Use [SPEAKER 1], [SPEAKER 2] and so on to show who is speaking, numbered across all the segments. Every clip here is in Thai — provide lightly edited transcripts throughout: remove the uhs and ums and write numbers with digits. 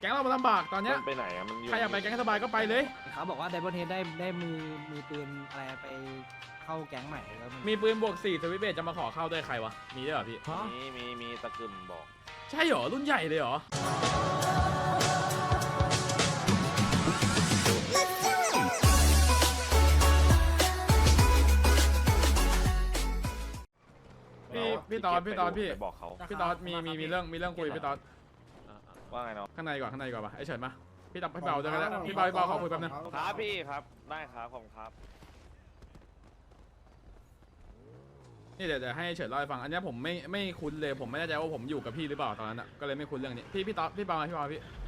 [SPEAKER 1] ก๊งเรามันลำบากตอนเนี้ย
[SPEAKER 2] มันไปไหนอะมันอยู่
[SPEAKER 1] ใครอยากไปแก๊งสบายก็ไปเลย
[SPEAKER 3] เขาบอกว่าไดมอนเฮดได้มือปืนอะไรไปเข้าแก๊งใหม่แล้วมัน
[SPEAKER 1] มีปืนบวก4สวิตช์เบสจะมาขอเข้าด้วยใครวะมีด้วยเหรอพี่
[SPEAKER 2] มีตะกึ่มบอก
[SPEAKER 1] ใช่เหรอรุ่นใหญ่เลยเหรอพี่ตอนพี่
[SPEAKER 2] ไปบอกเขา
[SPEAKER 1] พี่ตอนมีเรื่องคุยพี่ตอน
[SPEAKER 2] ว่าไงเนาะ
[SPEAKER 1] ข้างในก่อนปะไอเฉินมาพี่ตับพี่เบาจะกันแล้วพี่เบาขอคุยแป๊บนึง
[SPEAKER 2] ครับพี่ครับได้ครับผมครับ
[SPEAKER 1] นี่เดี๋ยวให้เฉินเล่าให้ฟังอันนี้ผมไม่คุ้นเลยผมไม่แน่ใจว่าผมอยู่กับพี่หรือเปล่าตอนนั้นอ่ะก็เลยไม่คุ้นเรื่องนี้พี่ตอนพี่เบาพี่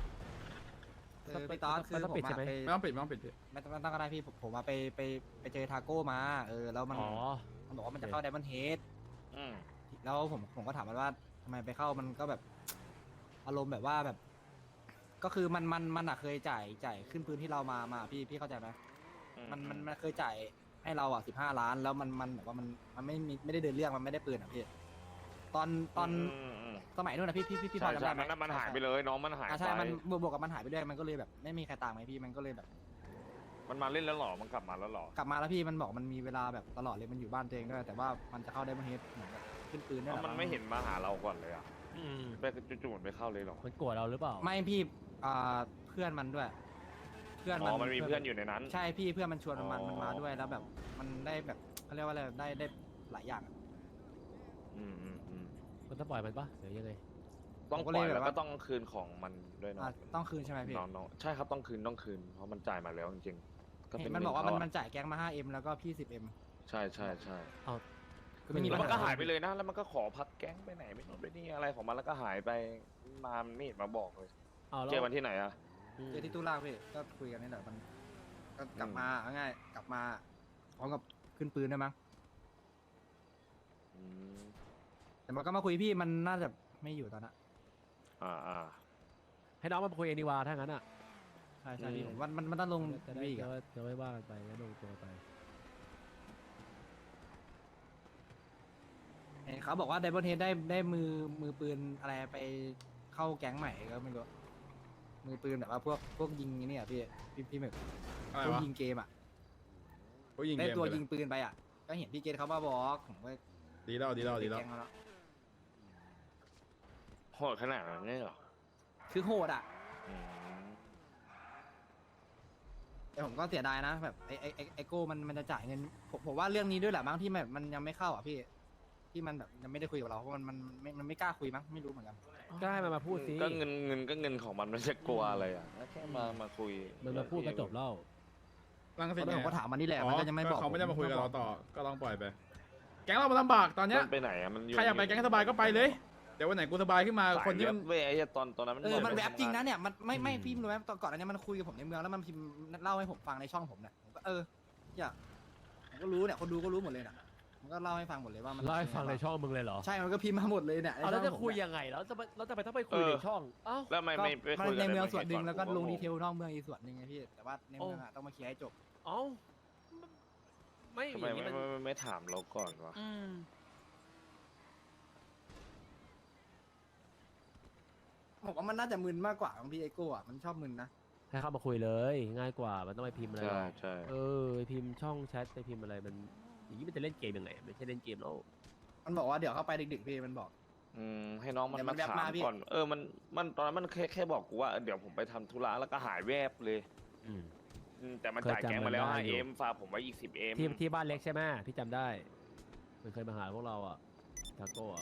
[SPEAKER 3] พี่ตอนคือผมไป
[SPEAKER 1] ไม่ต้องปิดพี่
[SPEAKER 3] ไม่ต้องก็ได้พี่ผมมาไปเจอทาโก้มาแล้วมันบอกว่ามันจะเข้าไดมอนเฮดแล้วผมก็ถามมันว่าทำไมไปเข้ามันก็แบบอารมณ์แบบว่าแบบ ก็คือมันเคยจ่ายขึ้นพื้นที่เรามาพี่เข้าใจไหมมันเคยจ่ายให้เรา15 ล้านแล้วมันแบบว่ามันไม่ได้เดินเรื่องมันไม่ได้ปืนพี่ตอนสมัยนู้นนะพี่พอจำได้ไหม
[SPEAKER 2] มันหายไปเลยน้องมันหายไป
[SPEAKER 3] ใช่มันบวกกับมันหายไปด้วยมันก็เลยแบบไม่มีใครตามไงพี่มันก็เลยแบบ
[SPEAKER 2] มันมาเล่นแล้วหรอมันกลับมาแล้วหรอก
[SPEAKER 3] ลับมาแล้วพี่มันบอกมันมีเวลาแบบตลอดเลยมันอยู่บ้านตัวเองด้วยแต่ว่ามันจะเข้าได้มาเฮดเหมือนแบบขึ้นปืนด้วย
[SPEAKER 2] มันไม่เห็นมาหาเราก่อนเลยอ่ะไปจู่ๆไปเข้าเลยหรอ
[SPEAKER 4] มันโกรธเราหรือเปล่า
[SPEAKER 3] ไม่พี่เพื่อนมันด้วยเพื่อน
[SPEAKER 2] มันมีเพื่อนอยู่ในนั้น
[SPEAKER 3] ใช่พี่เพื่อนมันชวนมันมาด้วยแล้วแบบมันได้แบบเขาเรียกว่าอะไรได้หลายอย่าง
[SPEAKER 4] มันต้องปล่อยมันปะหรือยังไง
[SPEAKER 2] ต้องปล่อยแล้วก็ต้องคืนของมันด้วยเนาะ
[SPEAKER 3] ต้องคืนใช่ไหมพี่
[SPEAKER 2] น้องใช่ครับต้องคืนเพราะมันจ่ายมาแล้วจริงๆ
[SPEAKER 3] มันบอกว่ามันจ่ายแก๊งมา 5M แล้วก็พี่ 10M
[SPEAKER 2] ใช่
[SPEAKER 4] เอา
[SPEAKER 2] แล้วมันก็หายไปเลยนะแล้วมันก็ขอพักแก๊งไปไหนไม่รู้ไปนี่อะไรของมันแล้วก็หายไปมาไม่เห็นมาบอกเลยเจอมันที่ไหนอะ
[SPEAKER 3] เจอที่ตู้ล่างพี่ก็คุยกันนี่แหละมันก็กลับมาง่ายกลับมาพร้อมกับขึ้นปืนได้มั้งแต่มันก็มาคุยพี่มันน่าจะไม่อยู่ตอนนั้น
[SPEAKER 4] ให้น้องมาคุยเองดีกว่าถ้างั้นอ่ะ
[SPEAKER 3] ใช่พี่ผมว่ามันต้องลง
[SPEAKER 4] จะไม่ว่ากันไปแล้วลงตัวไป
[SPEAKER 3] เขาบอกว่าไดมอนเฮดได้มือปืนอะไรไปเข้าแก๊งใหม่ก็ไม่รู้มือปืนแบบว่าพวกยิงนี่พี่หมึกพวกยิงเกมได้ตัวยิงปืนไปก็เห็นพี่เกตเขามาบอกผมว่า
[SPEAKER 1] ดีแล้ว
[SPEAKER 2] โหดขนาดนั้นเลยเหรอ
[SPEAKER 3] คือโหดแต่ผมก็เสียดายนะแบบไอโก้มันจะจ่ายเงินผมว่าเรื่องนี้ด้วยแหละมั้งที่แบบมันยังไม่เข้าพี่ที่มันแบบยังไม่ได้คุยกับเราเพราะมันไม่กล้าคุยมั้งไม่รู้เหมือนกัน
[SPEAKER 4] ก็ให้มันมาพูดสิ
[SPEAKER 2] ก็เงินของมันจะกลัวอะไรแค่มาคุย
[SPEAKER 4] มันมาพูดก็จบแล้ว
[SPEAKER 1] ลังสิต
[SPEAKER 3] ผมก็ถามมันนี่แหละมันก็ยังไม่บอก
[SPEAKER 1] เขาไม่ได้มาคุยกับเราต่อก็ต้องปล่อยไปแก๊งเรามันลำบากตอนเนี้ย
[SPEAKER 2] ไปไหนมัน
[SPEAKER 1] ใครอยากไปแก๊งสบายก็ไปเลยเดี๋ยววันไหนกูสบายขึ้นมาคนที่มัน
[SPEAKER 2] เว้ยตอนนั้น
[SPEAKER 3] มันแวบจริงนะเนี่ยมันไม่พี่รู้ไหมตอนก่อนอันนี้มันคุยกับผมในเมืองแล้วมันพิมพ์เล่าให้ผมฟังในช่องผมเนี่ยผมก็ผมก็รู้เนี่ยคนดูก็รู้หมดเลยนะมันก็เล่าให้ฟังหมดเลยว่ามัน
[SPEAKER 4] เล่าให้ฟังในช่องมึงเลยเหรอ
[SPEAKER 3] ใช่มันก็พิมพ์มาหมดเลยเนี่ย
[SPEAKER 4] แล้วจะคุยยังไงแล้วจะไปต้องไปคุยในช่อง
[SPEAKER 2] แล้วไม่
[SPEAKER 3] ในเมืองส่วนหนึ่งแล้วก็ลงดีเทลนอกเมืองอีกส่วนหนึ่งไงพี่แต่ว่าในเมืองต้องมาเคลียร์ให้จบ
[SPEAKER 2] ไม่ถามเราก่อนวะ
[SPEAKER 3] ผมว่ามันน่าจะมึนมากกว่าของพี่ไอโก้มันชอบมึนนะ
[SPEAKER 4] ให้เข้ามาคุยเลยง่ายกว่ามันต้องไปพิมพ์อะไร
[SPEAKER 2] ใช่
[SPEAKER 4] ไปพิมพ์ช่องแชทไปพิมพ์อะไรมันอย่างนี้มันจะเล่นเกมยังไงไม่ใช่เล่นเกมแล้ว
[SPEAKER 3] มันบอกว่าเดี๋ยวเข้าไปดึกๆพี่มันบอก
[SPEAKER 2] ให้น้องมันมาถามก่อนมันตอนนั้นมันแค่บอกกูว่าเดี๋ยวผมไปทำธุระแล้วก็หายแวบเลยแต่มันจ่ายแกงมาแล้ว 5M ฝากผมไว้อีก 10M
[SPEAKER 4] ที่บ้านเล็กใช่ไหมพี่จำได้มันเคยมาหาพวกเราทาโก้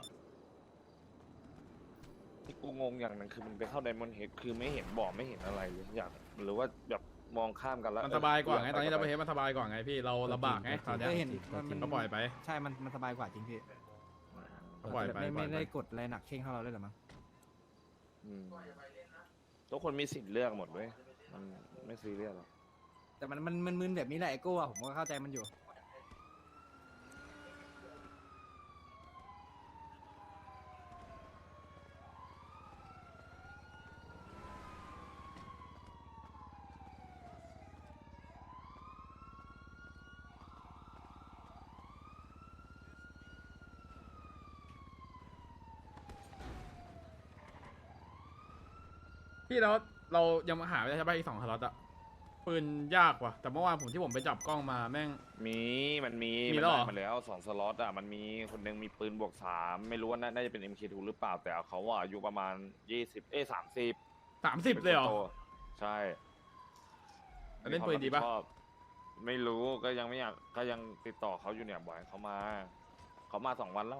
[SPEAKER 2] ที่กูงงอย่างนึงคือมันไปเข้าไดมอนด์เฮดคือไม่เห็นบอกไม่เห็นอะไรเลยอยากหรือว่าแบบมองข้ามกันแล้ว
[SPEAKER 1] มันสบายกว่าไงตอนนี้เราไปเห็นมันสบายกว่าไงพี่เราลำบากไงตอนนี้
[SPEAKER 3] เห็น
[SPEAKER 1] มันก็ปล่อยไป
[SPEAKER 3] ใช่มันสบายกว่าจริงพี่
[SPEAKER 1] ปล่อยไป
[SPEAKER 3] ไม่ได้กดอะไรหนักเข่งเท่าเราเลยหรอมั้ง
[SPEAKER 2] ทุกคนมีสิทธิ์เลือกหมดเว้ยมันไม่ซีเรียสหรอก
[SPEAKER 3] แต่มันมึนแบบนี้แหละไอโก้ผมก็เข้าใจมันอยู่
[SPEAKER 1] พี่เราเรายังหาไม่ได้ใช่ป่ะอีก2 สล็อตอะปืนยากว่ะแต่เมื่อวานผมที่ผมไปจับกล้องมาแม่ง
[SPEAKER 2] มันมี
[SPEAKER 1] มีแล้วเหรอ
[SPEAKER 2] ได้มาแล้ว2 สล็อตอ่ะมันมีคนหนึงมีปืนบวก 3ไม่รู้ว่าน่าจะเป็น MK2 หรือเปล่าแต่เขาอ่ะอายุประมาณ30
[SPEAKER 1] 30เลยเหรอ
[SPEAKER 2] ใช่
[SPEAKER 1] แล้วเล่นปืนดีปะ
[SPEAKER 2] มีความรับผิชอบไม่รู้ก็ยังไม่อยากก็ยังติดต่อเขาอยู่เนี่ยบ่อยเขามา2 วันแล้ว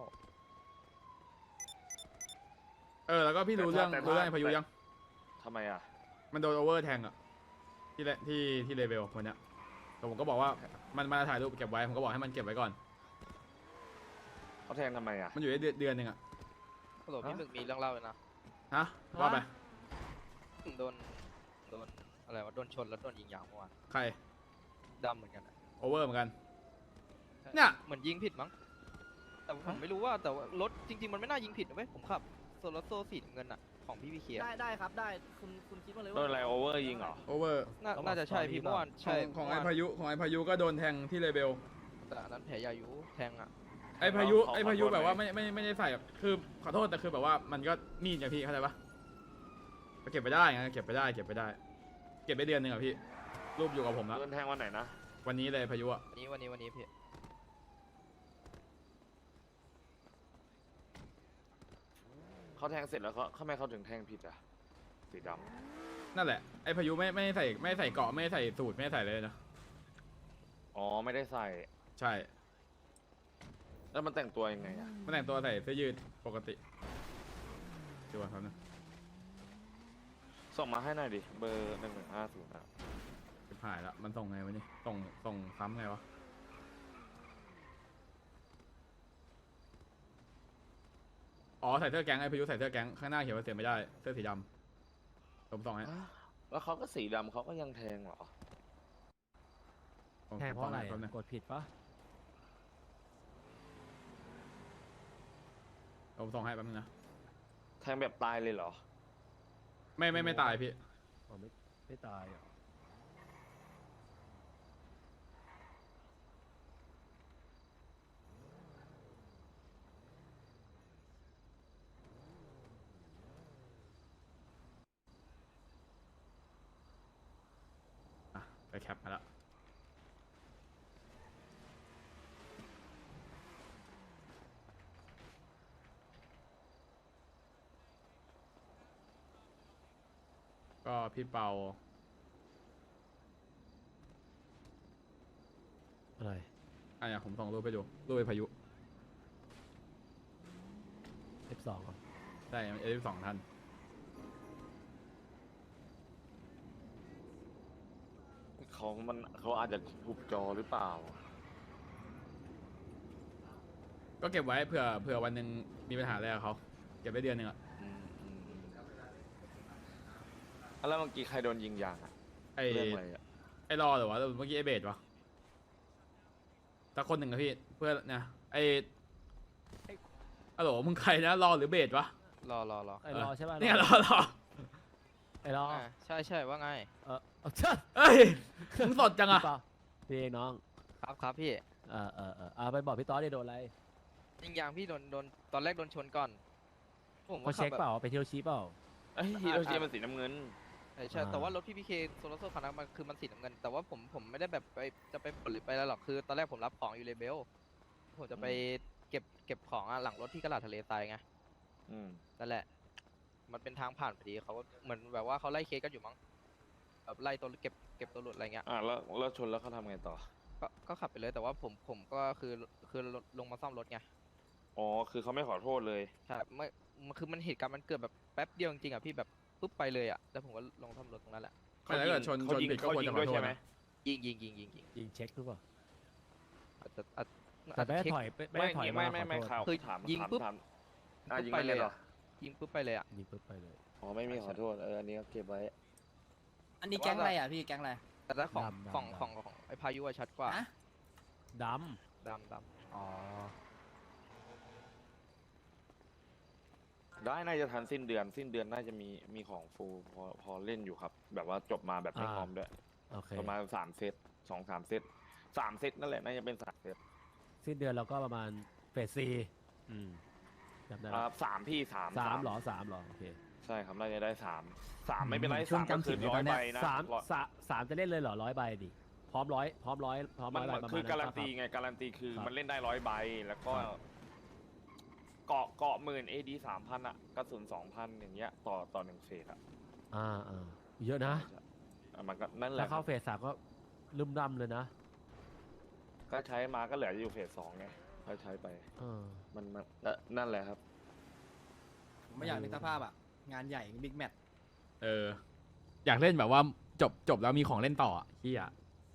[SPEAKER 1] แล้วก็พี่รู้เรื่อง
[SPEAKER 2] แต่ถ้า
[SPEAKER 1] รู้เรื่องไอ้พายุยัง
[SPEAKER 2] ทำไมอ่ะ
[SPEAKER 1] มันโดนโอเวอร์แทงอะที่เลเวลวันเนี้ยแต่ผมก็บอกว่ามันมาถ่ายรูปเก็บไว้ผมก็บอกให้มันเก็บไว้ก่อน
[SPEAKER 2] เขาแทงทำไมอ่ะ
[SPEAKER 1] มันอยู่ได้เดือนหนึงอะ
[SPEAKER 5] ฮัลโหลพี่หมึกมีเรื่องเล่าเลยนะ
[SPEAKER 1] ฮะว่าไป
[SPEAKER 5] โดนอะไรวะโดนชนแล้วโดนยิงยางเมื่อวาน
[SPEAKER 1] ใคร
[SPEAKER 5] ดำเหมือนกันอะ
[SPEAKER 1] โอเวอร์เหมือนกัน เนี่ย
[SPEAKER 5] เหมือนยิงผิดมั้งแต่ผมไม่รู้ว่าแต่ว่ารถจริง ๆ มันไม่น่ายิงผิดนะเว้ยผมขับโซลโซสีน้ำเงินอะของพี่พีเค
[SPEAKER 3] ได้ครับได้คุณคิดมาเลย
[SPEAKER 2] โดนอะไรโอเวอร์ยิงเหรอ
[SPEAKER 1] โอเวอร์
[SPEAKER 5] น่าจะใช่พี่เมื่อวานใช่
[SPEAKER 1] ของ
[SPEAKER 5] เมื่
[SPEAKER 1] ไอ้
[SPEAKER 5] วาน
[SPEAKER 1] พายุก็โดนแทงที่เลเวล
[SPEAKER 5] แต่อันนั้นแผลยายุแทงอะ
[SPEAKER 1] ไอ้พายุแบบว่าไม่ได้ใส่แบบคือขอโทษแต่คือแบบว่ามันก็มีดอย่างพี่เข้าใจปะเก็บไปได้ไงเก็บไปได้ เก็บไปเดือนหนึงอะพี่รูปอยู่กับผมแล้ว
[SPEAKER 2] โดนแทงวันไหนนะ
[SPEAKER 1] วันนี้เลยพายุอะ
[SPEAKER 5] วันนี้พี่
[SPEAKER 2] เขาแทงเสร็จแล้วเขาทำไมเขาถึงแทงผิดอ่ะสีด
[SPEAKER 1] นั่นแหละไอ้พายุไม่ใส่เกราะไม่ใส่สูตรไม่ใส่เลยนะ
[SPEAKER 2] ำอ๋อไม่ได้ใส่
[SPEAKER 1] ใช่
[SPEAKER 2] แล้วมันแต่งตัวยังไงอ่ะ
[SPEAKER 1] มันแต่งตัวใส่เสื้อยืดปกติดูว่าครับนะ
[SPEAKER 2] ส่งมาให้หน่อยดิเบอร์1150อ่ะ
[SPEAKER 1] จะผ่ายละมันส่งไงวะนี่ส่งซ้ำไงวะอ๋อใส่เสื้อแก๊งไอ้พายุใส่เสื้อแก๊งข้างหน้าเขียนว่าเสียไม่ได้เสื้อสีดำผมส่งให้
[SPEAKER 2] แล้วเขาก็สีดำเขาก็ยังแทงเหรอ
[SPEAKER 1] ผม
[SPEAKER 4] แทงเพราะอะไร
[SPEAKER 1] แป๊บนึง
[SPEAKER 4] กดผิดปะ
[SPEAKER 1] ผมส่งให้แป๊บนึงนะ
[SPEAKER 2] แทงแบบตายเลยเหรอ
[SPEAKER 1] ไม่ตายพี่
[SPEAKER 4] อ๋อไม่ตายเหรอ
[SPEAKER 1] อ่ะไปแคปมาแล้วก็พี่เปา
[SPEAKER 4] อะไร
[SPEAKER 1] อ่ะเนี่ยผมส่งรูปไปดูรูปไอ้พายุ
[SPEAKER 4] F2 เหรอ
[SPEAKER 1] ใช่F2ท่าน
[SPEAKER 2] เขาอาจจะทุบจอหรือเปล่า
[SPEAKER 1] ก็เก็บไว้เผื่อวันหนึ่งมีปัญหาอะไรกับเขาเก็บไว้เดือนหนึงอะ
[SPEAKER 2] แล้วเมื่อกี้ใครโดนยิงยางอะ
[SPEAKER 1] ไอ้
[SPEAKER 2] เรื่องอะไรอะ
[SPEAKER 1] ไอ้รอหรือวะเมื่อกี้ไอ้เบสวะสักคนหนึ่งอะพี่เพื่อนนะไอ้อะโหลมึงใครนะรอหรือเบสวะ
[SPEAKER 5] รอ
[SPEAKER 4] ไอ้รอใช่ป่ะ
[SPEAKER 1] เนี่ยรอ
[SPEAKER 4] ไอ้รอ
[SPEAKER 5] ใช่ว่าไง
[SPEAKER 4] เอาเชิด
[SPEAKER 1] เอ้ยมึงสดจังอะ
[SPEAKER 4] พี่เปาพี่เองน้อง
[SPEAKER 5] ครับพี่
[SPEAKER 4] ไปบอกพี่ต๊อดดิโดนอะไร
[SPEAKER 5] ยิงยางพี่โดนตอนแรกโดนชนก่อนผม
[SPEAKER 4] เขา
[SPEAKER 5] ก็ขั
[SPEAKER 4] เช็
[SPEAKER 5] บ
[SPEAKER 4] ค
[SPEAKER 5] แบบ
[SPEAKER 4] เปล่าไปเที่ยวชี้เปล่า
[SPEAKER 2] ไอ้ฮีโรชิมันสีน้ำเงิน
[SPEAKER 5] ใช่แต่ว่ารถพี่พีเคโซลาร์โซคันนั้นมันคือมันสีน้ำเงินแต่ว่าผมไม่ได้แบบจะไปปลดหรือไปอะไรหรอกคือตอนแรกผมรับของอยู่เลเบลผมจะไปเก็บของหลังรถที่กระดาษทะเลทรายไง
[SPEAKER 2] อืม
[SPEAKER 5] นั่นแหละ มันเป็นทางผ่านพอดีเขาเหมือนแบบว่าเขาไล่เคสกันอยู่มั้งแบบไล่ตัวเก็บตัวหลุดอะไรเงี้ย
[SPEAKER 2] แล้วชนแล้วเขาทำไงต่อ
[SPEAKER 5] ก็ขับไปเลยแต่ว่าผมก็คือลงมาซ่อมรถไง
[SPEAKER 2] อ๋อคือเขาไม่ขอโทษเลย
[SPEAKER 5] ใช่ไม่คือมันเหตุการณ์มันเกิดแบบแป๊บเดียวจริงๆอ่ะพี่แบบปุ๊บไปเลยอ่ะแล้วผมก็ลงซ่อมรถตรงนั้นแหละ
[SPEAKER 1] แต่ถ้าเกิดชนผิดก็ควรจะขอโทษนะ
[SPEAKER 5] ยิง
[SPEAKER 4] ยิงเช็คหรือเปล่า
[SPEAKER 5] อาจจะ
[SPEAKER 4] แต่ไม่ได้
[SPEAKER 5] เช็ค
[SPEAKER 4] ถอยไม่ได้ถอยมา
[SPEAKER 2] ไม่
[SPEAKER 4] ขอโทษ
[SPEAKER 2] ข่าว
[SPEAKER 5] คือ
[SPEAKER 2] ถาม
[SPEAKER 5] ยิงปุ๊บ
[SPEAKER 2] ถามยิง
[SPEAKER 5] ไป
[SPEAKER 2] ไป
[SPEAKER 5] เล
[SPEAKER 2] เลย ยเหรอ
[SPEAKER 5] ยิงปุ๊บไปเลยอ่ะ
[SPEAKER 4] ยิงปุ๊บไปเลย
[SPEAKER 2] อ๋อไม่มีขอโทษอันนี้ก็เก็บไว้
[SPEAKER 3] อันนี้แก๊งอะไรอ่ะพี่แก๊งอะไร
[SPEAKER 5] แต่ถ้าของ
[SPEAKER 4] ดำ
[SPEAKER 5] ของไอ้พายุอะชัดกว่า
[SPEAKER 3] ฮะ
[SPEAKER 4] ด
[SPEAKER 5] ดำ
[SPEAKER 3] อ๋อ
[SPEAKER 2] ได้น่าจะทันสิ้นเดือนน่าจะมีของฟูลพอเล่นอยู่ครับ แบบว่าจบมาแบบไม่พร้อมด้วย
[SPEAKER 4] ำโอเค
[SPEAKER 2] ประมาณ3 เซต2-3 เซต3 เซตนั่นแหละน่าจะเป็น3 เซต
[SPEAKER 4] สิ้นเดือนเราก็ประมาณเฟส4จำได้ไหม
[SPEAKER 2] 3พี่3
[SPEAKER 4] 3เหรอ3เหรอโอเค
[SPEAKER 2] ใช่ครับน่าจะได้3ไม่เป็นไร
[SPEAKER 3] ช่วง
[SPEAKER 2] 3ก็
[SPEAKER 3] จำศี
[SPEAKER 2] คื
[SPEAKER 3] ล
[SPEAKER 2] อ
[SPEAKER 3] เลย
[SPEAKER 2] 100
[SPEAKER 3] ตอนเนี้
[SPEAKER 2] ใบ
[SPEAKER 3] ย
[SPEAKER 2] นะ
[SPEAKER 4] สามจะเล่นเลยเหรอ100 ใบดิพร้อมร้อยพร้อม
[SPEAKER 2] มัน
[SPEAKER 4] ใบประ
[SPEAKER 2] คื
[SPEAKER 4] มา
[SPEAKER 2] อ
[SPEAKER 4] ณ
[SPEAKER 2] การั
[SPEAKER 4] นั้น
[SPEAKER 2] นตี
[SPEAKER 4] ครับ
[SPEAKER 2] ไงการันตีคือ
[SPEAKER 4] ครับ
[SPEAKER 2] มันเล่นได้100 ใบแล้วก็
[SPEAKER 4] ครับ
[SPEAKER 2] เกาะหมื่น AD 3,000อะกระสุน 2,000 อย่างเงี้ยต่อ1เฟสอะ
[SPEAKER 4] เยอะนะ
[SPEAKER 2] มันก็นั่นแห
[SPEAKER 4] ถ้า
[SPEAKER 2] ละ
[SPEAKER 4] เข้าเฟส3ก็ลืมดำเลยนะ
[SPEAKER 2] ก็ใช้มาก็เหลืออยู่เฟส2ไงก็ใช้ไป
[SPEAKER 4] เออ
[SPEAKER 2] มันนั่นแหละครับ
[SPEAKER 3] ผมไม่อยากนึกสภาพอ่ะงานใหญ่บิ๊กแมตช์
[SPEAKER 1] อยากเล่นแบบว่าจบแล้วมีของเล่นต่ออ่ะเฮีย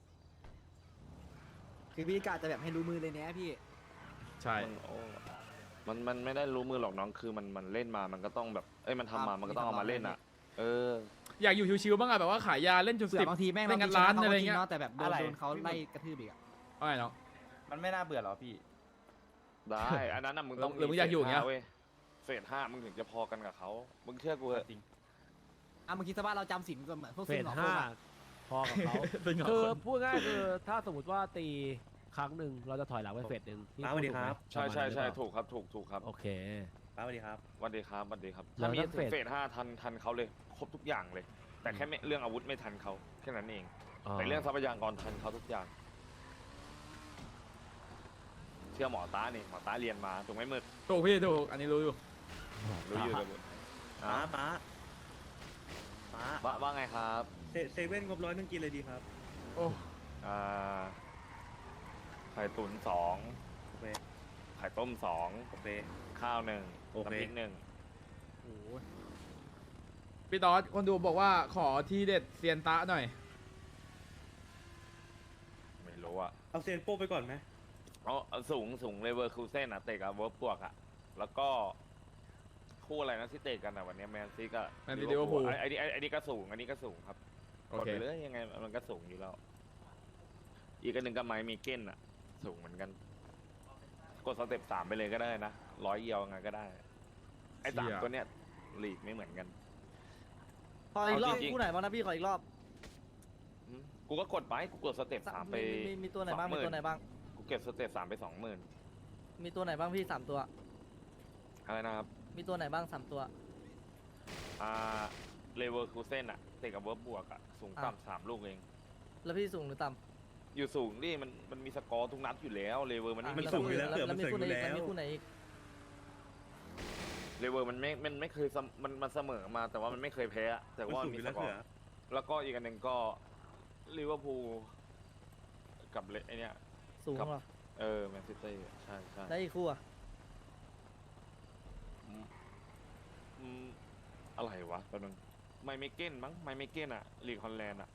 [SPEAKER 3] คือพี่กาจะแบบให้รู้มือเลยเนี้ยพี่
[SPEAKER 1] ใช่
[SPEAKER 2] มันไม่ได้รู้มือหรอกน้องคือมันเล่นมามันก็ต้องแบบมันทำมามันก็ต้องเอามาเล่นอ่ะ
[SPEAKER 1] อยากอยู่ชิวๆบ้างอะแบบว่าขายยาเล่นจุด
[SPEAKER 3] เผื่
[SPEAKER 1] สิ
[SPEAKER 3] อบ บางทีแม่ง
[SPEAKER 1] เล่น
[SPEAKER 3] เรา
[SPEAKER 1] กันร้าน
[SPEAKER 3] ชเขา
[SPEAKER 1] อะไร
[SPEAKER 3] ก็จ
[SPEAKER 1] เงี้ย
[SPEAKER 3] เนาะแต่แบบโด
[SPEAKER 6] อะไร
[SPEAKER 3] นเขาไล่กระทืบอีกอ่ะ
[SPEAKER 1] เอาไงเนาะ
[SPEAKER 6] มันไม่น่าเบื่อหรอพี่
[SPEAKER 2] ได้อันนั้นน่ะมึงต้อง
[SPEAKER 1] หรือมึงอยากอยู่อย่างเงี้ย
[SPEAKER 2] เว้ยเฟส5มึงถึงจะพอกันกับเขามึงเชื่อกูเถอะ
[SPEAKER 6] จริง
[SPEAKER 3] อ่ะเมื่อกี้สภาพเราจำสินก็เหมือนพวก
[SPEAKER 4] เฟ
[SPEAKER 3] ซึ่ง
[SPEAKER 4] ส
[SPEAKER 3] หงอโค
[SPEAKER 4] 5
[SPEAKER 3] กอะ
[SPEAKER 4] พอกับเขา
[SPEAKER 1] เป็นเหงา
[SPEAKER 4] คือ
[SPEAKER 1] คน
[SPEAKER 4] พูดง่ายคือถ้าสมมติว่าตีครั้งหนึ่งเราจะถอยหลังไปเฟสหนึ่งที่
[SPEAKER 7] สวัสดีครับ
[SPEAKER 2] ใช่
[SPEAKER 4] ประมาณนั้นหรือเปล่า
[SPEAKER 2] ถูกครับถูกครับ
[SPEAKER 4] โอเค
[SPEAKER 7] ป้าสวัสดีครับ
[SPEAKER 2] สวัสดีครับสวัสดีครับ
[SPEAKER 4] แล้
[SPEAKER 2] ถ้าว มี
[SPEAKER 4] ถ้าเฟส
[SPEAKER 2] เฟส5ทันเขาเลยครบทุกอย่างเลย แต่แค่เรื่องอาวุธไม่ทันเขาแค่นั้นเอง แต่เรื่องทรัพยากรทันเขาทุกอย่าง เชื่อหมอต้านี่หมอต้าเรียนมาถูกไหมมึก
[SPEAKER 1] ถูกพี่ถูกอันนี้รู้อยู่
[SPEAKER 2] รู้อยู่เลยมึก
[SPEAKER 7] ป้า
[SPEAKER 2] อ่ะ
[SPEAKER 7] ป้า
[SPEAKER 2] ว่าไงครับ
[SPEAKER 7] เซเว่นงบ100นึงกินเลยดีครับ
[SPEAKER 1] โอ้
[SPEAKER 2] อ่าไข่ตุ๋น2
[SPEAKER 7] โอเค
[SPEAKER 2] ไข่ต้ม2
[SPEAKER 7] โอเค
[SPEAKER 2] ข้าว1
[SPEAKER 7] โอเค
[SPEAKER 2] น้ำพริก1
[SPEAKER 3] โอ้โห
[SPEAKER 1] พี่ตอสคนดูบอกว่าขอทีเด็ดเซียนตะหน่อย
[SPEAKER 2] ไม่รู้อะ
[SPEAKER 7] เอาเซียนโป้ไปก่อนไหม
[SPEAKER 2] เอาสูงเลเวอร์คูเซ่นอะเตะกับเวิร์บปวกอะแล้วก็คู่อะไรนะที่เตะกันอะวันนี้แมนซีกับ
[SPEAKER 1] แมนซีลิเวอร์พูล
[SPEAKER 2] ไอ้นี่ก็สูงอันนี้ก็สูงครับ
[SPEAKER 1] โอก
[SPEAKER 2] ด
[SPEAKER 1] เค
[SPEAKER 2] ไปเลยยังไงมันก็สูงอยู่แล้ว อีกอันหนึ่งก็ไม้มีเก้นอะสูงเหมือนกัน กดสเต็ป3ไปเลยก็ได้นะ100เยียวไงก็ได้ ไอ้3ตัวเนี้ยลีกไม่เหมือนกัน
[SPEAKER 8] ขออีกรอบ
[SPEAKER 2] เอาจริงๆ
[SPEAKER 8] คู่ไหนบ้างนะพี่ขออีกรอบ
[SPEAKER 2] อืมกูก็กดไปกูกดสเต็ป3ไป
[SPEAKER 8] มีตัวไหนบ้างมี
[SPEAKER 2] 20,000
[SPEAKER 8] ตัวไหนบ้าง
[SPEAKER 2] กูเก็บสเต็ป3ไป 20,000
[SPEAKER 8] มีตัวไหนบ้างพี่สามตัว
[SPEAKER 2] อะไรนะครับ
[SPEAKER 8] มีตัวไหนบ้างสามตัว
[SPEAKER 2] เลเวอร์คูเซ่นอะเตะกับเวิร์บบวกอะสูง
[SPEAKER 8] อ่ะ
[SPEAKER 2] ต่ำ3 ลูกเอง
[SPEAKER 8] แล้วพี่สูงหรือต่
[SPEAKER 2] อยู่สูงดิมันมีสกอร์ทุกนัดอยู่แล้วเลเวอร์มัน
[SPEAKER 8] ำ
[SPEAKER 2] ไม่
[SPEAKER 7] มัน
[SPEAKER 2] มี
[SPEAKER 7] สูงอยู่แล้ว
[SPEAKER 8] แล้วมี
[SPEAKER 7] เผื่อมัน
[SPEAKER 8] คู่ไหน
[SPEAKER 7] สูงอยู่
[SPEAKER 8] อีก
[SPEAKER 7] แล้ว
[SPEAKER 8] แล้วมีคู่ไหนอีก
[SPEAKER 2] เลเวอร์มันไม่เคยมันเสมอมาแต่ว่ามันไม่เคยแพ้อะแต่
[SPEAKER 7] มัน
[SPEAKER 2] ว่า
[SPEAKER 7] สูง
[SPEAKER 2] มี
[SPEAKER 7] อยู่
[SPEAKER 2] ส
[SPEAKER 7] แล้ว
[SPEAKER 2] กอ
[SPEAKER 7] เผื่อ
[SPEAKER 2] ร์แล้วก็อีกอันหนึ่งก็ลิเวอร์พูลกับไอเนี้ย
[SPEAKER 8] สูง
[SPEAKER 2] ครับ
[SPEAKER 8] เหรอ
[SPEAKER 2] แมนซิตี้ใช่
[SPEAKER 8] แล้วอีกคู่อะ
[SPEAKER 2] อืมอะไรวะแป๊บนึงไม่เก้นมั้งไม่เก้นอะลีกฮอลแลนด์อะ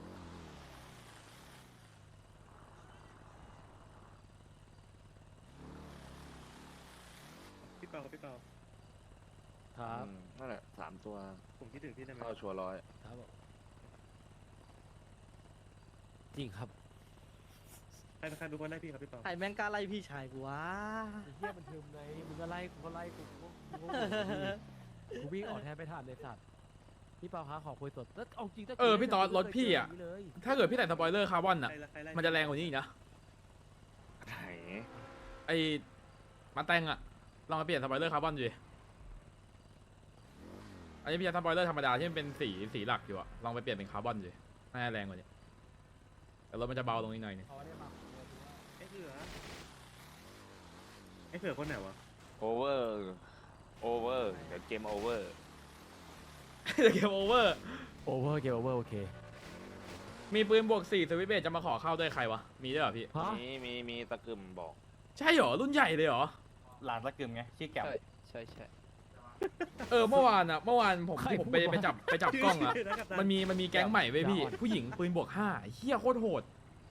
[SPEAKER 7] พี่เปาพี่เปา
[SPEAKER 4] ครับ
[SPEAKER 2] นั่นแหละ3 ตัว
[SPEAKER 7] ผมคิดถึงพี่ได้ไหม
[SPEAKER 2] เข้าชัวร์ร้อย
[SPEAKER 4] ครับผมจริงครับ
[SPEAKER 7] ใครเป็นคนได้พี่ครับพี่เปา
[SPEAKER 8] ใครแม่งกล้าไล่พี่ชายกูวะ
[SPEAKER 4] ไอ้เฮียมันทึมไงมึงก็ไล่กูก็ไล่กูวิ่งออกแทบไม่ทันเลยสัตว์พี่เปาคะขอคุยสดแล้วเอาจริงถ้า
[SPEAKER 1] พี่ตอสรถพี่อะ
[SPEAKER 4] ไม่เคยเจย่างนี้เลย
[SPEAKER 1] ถ้าเกิดพี่ใส่สปอยเลอร์คาร์บอนอ่ะ
[SPEAKER 7] ใครไล่
[SPEAKER 1] มันจะแรงกว่านี้อีกนะ
[SPEAKER 2] ไหน
[SPEAKER 1] ไอ้มาแตงอ่ะลองมาเปลี่ยนสปอยเลอร์คาร์บอนดูดิอันนี้พี่ใช้สปอยเลอร์ธรรมดาที่มันเป็นสีหลักอยู่อะลองไปเปลี่ยนเป็นคาร์บอนดูน่าจะแรงกว่านี้แต่รถมันจะเบาลงนิดหน่อยนึง
[SPEAKER 7] ไอ้เผื่อคนไหนวะ
[SPEAKER 2] โอเวอร์เดี๋ยวเกมโอเวอร์
[SPEAKER 1] เกมโอเวอร์
[SPEAKER 4] โอเวอร์เกมโอเวอร์โอเค
[SPEAKER 1] มีปืนบวก4สวิตช์เบสจะมาขอเข้าด้วยใครวะ มีด้วยเหรอพี่
[SPEAKER 4] ฮะ
[SPEAKER 2] มีตะกึมบอก
[SPEAKER 1] ใช่เหรอ รุ่นใหญ่เลยเหรอ
[SPEAKER 6] หลานตะกึมไงชื่อแก้ว
[SPEAKER 5] ใช่ใช่
[SPEAKER 1] เมื่อวานผมไปจับกล้องอะ
[SPEAKER 7] ชื่นะกัปตัน
[SPEAKER 1] มันมีแก๊งใหม่เว้ยพี่ ผู้หญิงปืนบวก5เฮี้ยโคตรโหด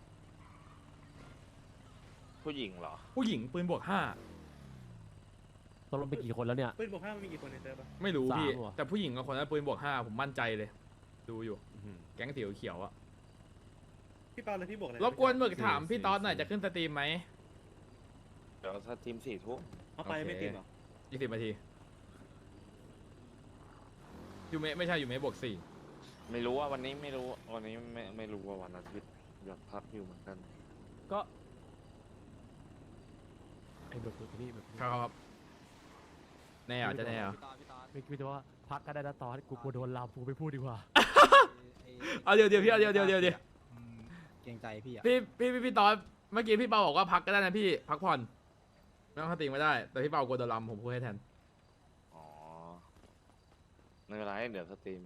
[SPEAKER 2] ผู้หญิงเหรอ
[SPEAKER 1] ผู้หญิงปืนบวก5
[SPEAKER 4] ตกลงไปกี่คนแล้วเนี่ย
[SPEAKER 7] ปืนบวก5มันมีกี่คนในเซิร์ฟอะ
[SPEAKER 1] ไม่รู้พี่
[SPEAKER 4] 3ว่ะ
[SPEAKER 1] แต่ผู้หญิงกับคนนั้นปืนบวก5ผมมั่นใจเลย ดูอยู่ แก๊งสีเขียวอะ
[SPEAKER 7] พี่เปาเลยพี่บวกอะไร
[SPEAKER 1] รบกวนหมึกถามพี่ต๊อดหน่อยจะขึ้นสตรีมไหม
[SPEAKER 2] เดี๋ยวถ้าทีม4 ทุ่ม
[SPEAKER 7] เอาไปไม่ติดเหรอ
[SPEAKER 1] 20 นาทียูเมะไม่ใช่ยูเมะบวก4
[SPEAKER 2] ไม่รู้ว่าวันนี้ไม่รู้วันนี้ไม่รู้ว่าวันอาทิตย์อยากพักอยู่เหมือนกัน
[SPEAKER 4] ก็ไอ้เบิร์ดพี่เบิร์ด
[SPEAKER 1] ครับแน่เหรอจะแน่เหรอ
[SPEAKER 3] พี่ตอส
[SPEAKER 4] ไม่คิดว่าพักก็ได้นะตอนกูกลัวโดนลามกูไม่พูดดีกว่า
[SPEAKER 1] เอาเดี๋ยวพี่เอาเดี๋ยว
[SPEAKER 3] อืมเกรงใจพี่อ่ะ
[SPEAKER 1] พี่ตอนเมื่อกี้พี่เปาบอกว่าพักก็ได้นะพี่พักผ่อนไม่ต้องสติงไม่ได้ แต่พี่เปากลัวโดนลำผมพูดให้แทน
[SPEAKER 2] อ๋อไม่เป็นไรเดี๋ยวสตรีม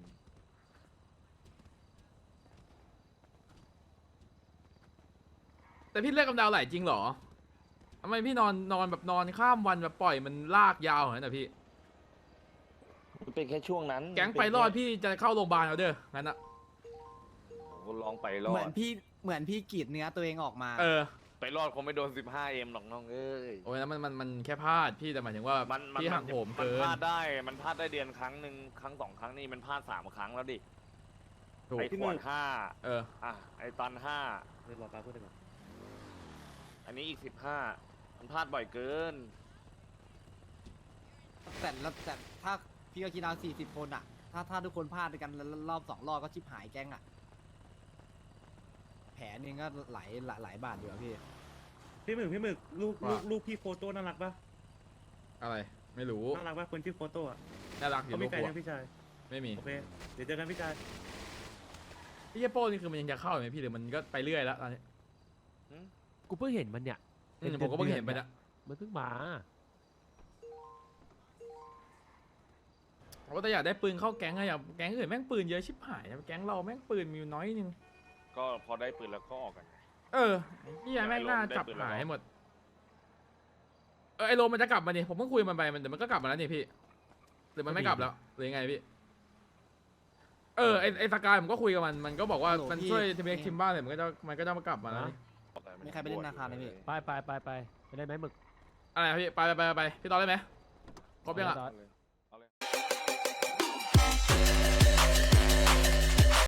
[SPEAKER 1] แต่พี่เลือกกำดาวไหลจริงเหรอทำไมพี่นอนแบบนอนข้ามวันแบบปล่อยมันลากยาวเหรอนะพี่
[SPEAKER 2] มันเป็นแค่ช่วงนั้น
[SPEAKER 1] แก๊งไปรอดพี่จะเข้าโรงพยาบาลเอาเด้องั้นอะ
[SPEAKER 2] ผมลองไปรอ
[SPEAKER 3] เหมือ
[SPEAKER 2] ด
[SPEAKER 3] นพี่กรีดเนื้อตัวเองออกมา
[SPEAKER 1] เออ
[SPEAKER 2] ไปรอดคงไม่โดน 15M หรอกน้องเอ้ย
[SPEAKER 1] โอ้ยนั้นมันแค่พลาดพี่แต่หมายถึงว่าพี่หักโหม
[SPEAKER 2] มัน
[SPEAKER 1] เกิ
[SPEAKER 2] พ
[SPEAKER 1] น
[SPEAKER 2] ลาดได้มันพลาดได้เดือนครั้งหนึ่งครั้ง2 ครั้งนี่มันพลาด3 ครั้งแล้วดิ
[SPEAKER 1] ถูก
[SPEAKER 2] ไอ้ขวด
[SPEAKER 1] เออ
[SPEAKER 2] 5อ่ะไอ้ตัน5
[SPEAKER 7] เดี๋ยวรอป้าพูดดีกว่า
[SPEAKER 2] อันนี้อีก15มันพลาดบ่อยเกิน
[SPEAKER 3] แต่ถ้าพี่ก็คิดเอา40 คนอ่ะ ถ้าทุกคนพลาดด้วยกันแล้วรอบ2 รอบก็ชิบหายแก๊งอ่ะ แผลนึงก็หลายบาทอยู่อะพี่
[SPEAKER 7] พี่หมึกลูกพี่โฟโต้น่ารักปะ
[SPEAKER 1] อะไรไม่รู้
[SPEAKER 7] น่ารักปะคนชื่อโฟโต้อะ
[SPEAKER 1] น่ารักอยู่
[SPEAKER 7] เขา
[SPEAKER 1] ลู
[SPEAKER 7] มี
[SPEAKER 1] ก
[SPEAKER 7] แฟน
[SPEAKER 1] หัว
[SPEAKER 7] ยังพี่ชาย
[SPEAKER 1] ไม่มี
[SPEAKER 7] โอเคเดี๋ยวเจอกันพี่ชาย
[SPEAKER 1] พี่เจโป้นี่คือมันยังจะเข้าไหมพี่หรือมันก็ไปเรื่อยแล้วตอนนี้
[SPEAKER 4] กูเพิ่งเห็นมันเนี่ย
[SPEAKER 1] ผมก็เพิ่งเห็นไปนะ
[SPEAKER 4] มันเพิ่งมา
[SPEAKER 1] ผมก็แต่อยากได้ปืนเข้าแก๊งอะอยากแก๊งอื่นแม่งปืนเยอะชิบหายนะแก๊งเราแม่งปืนมีอยู่น้อยนึง
[SPEAKER 2] ก็พอได้ปืนแล้วก็ออกกันไง
[SPEAKER 1] เออพี่ยายแม่งน่าจับหายให้หมดไอโรมมันจะกลับมานี่ผมเพิ่งคุยมันไปมันแต่มันก็กลับมาแล้วนี่พี่หรือมันไม่กลับแล้วหรือยังไงพี่ไอสกายผมก็คุยกับมันก็บอกว่า
[SPEAKER 3] ฮัลโหล
[SPEAKER 1] มัน
[SPEAKER 3] พี่
[SPEAKER 1] ช่วยทีมเอ็กซ์ทีมบ้านเลยมันก็จะมากลับมาแล้วนี่
[SPEAKER 3] มีใครไปเล่นธนาคารไหมพี่
[SPEAKER 4] ไปไปได้ไหมหมึก
[SPEAKER 1] อะไรนะพี่ไปพี่ตอนได้ไหมครบยังอะ
[SPEAKER 4] ตอน
[SPEAKER 2] เลย